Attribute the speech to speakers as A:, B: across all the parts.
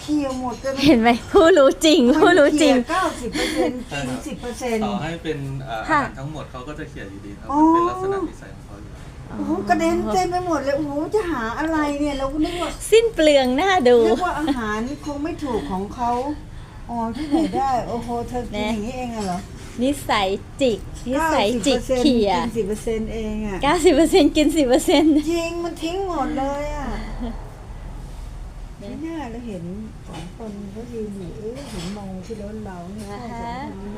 A: เคลียร์หมดเลย
B: เห็นไหมผู้รู้จริงผู้รู้จริง
A: 90%กิน10%
C: ต่อให้เป็นอาหารทั้งหมดเขาก็จะเขียนอยู่ดีครับ
A: อ๋อ
C: มันเป็นลักษณะนิสัยของเขาอยู่แล้ว
A: โอ้โหกระเด็นเต็มไปหมดเลยโอ้โหจะหาอะไรเนี่ยเราก็นึกว่า
B: สิ้นเปลืองหน้าดู
A: นึกว่าอาหารนี่คงไม่ถูกของเขาอ๋อที่ไหนได้โอ้โหเธอกินอย่างนี้เองเหรอ
B: นิสัยจิกนิสัยจิกเขี่ย
A: กิน10%เองอ่ะ
B: 90%กิน 10%
A: จริงมันทิ้งหมดเลยอ่ะไม่น่าเราเห็นสองคนเขายืนอยู่เห็นมองที่รถเราเนี่ย
B: นะคะ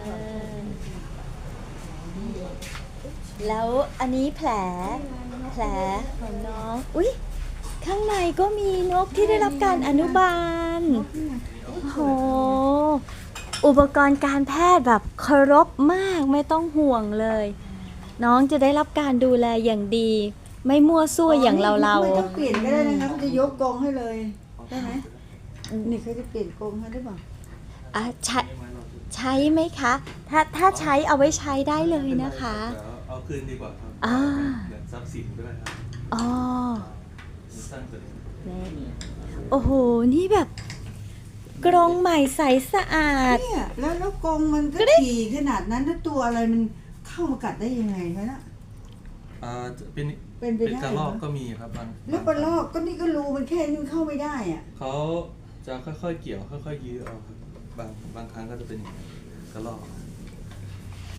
B: แล้วอันนี้แผลของน้องอุ๊ยข้างในก็มีนกที่ได้รับการอนุบาลโอ้โหอุปกรณ์การแพทย์แบบเคารพมากไม่ต้องห่วงเลย น้องจะได้รับการดูแลอย่างดี ไม่มั่วซั่วอย่างเรา
A: ไม่ต้องเปลี่ยนก็ได้นะคะเขาจะยกกรงให้เลยได้ไหมนี่เขาจะเปลี่ยนกรงให้หรือเปล่า
B: อ่ะใช้ไหมคะ ถ้าใช้เอาไว้ใช้ได้เลยนะคะ
C: เอาคืนดีกว่าครับ
B: อ่า
C: เหมือนทรัพย์สินด้วยครับ
B: อ๋อ
C: สร้างตัวเอง
B: นี่โอ้โห นี่แบบกรงใหม่ใสสะอาด
A: เนี่ยแล้วกรงมันก็ถี่ขนาดนั้นแล้วตัวอะไรมันเข้ามากัดได้ยังไงคะน่ะ
C: เป็น
A: เป็นไปได้
C: กระรอกก็มีครับบาง
A: แล้วปลาลอกก็นี่ก็รูมันแค่นี้มันเข้าไม่ได้อ่ะ
C: เขาจะค่อยๆเกี่ยวค่อยๆยื้อเอาครับบางครั้งก็จะเป็นอย่างนี้กระรอก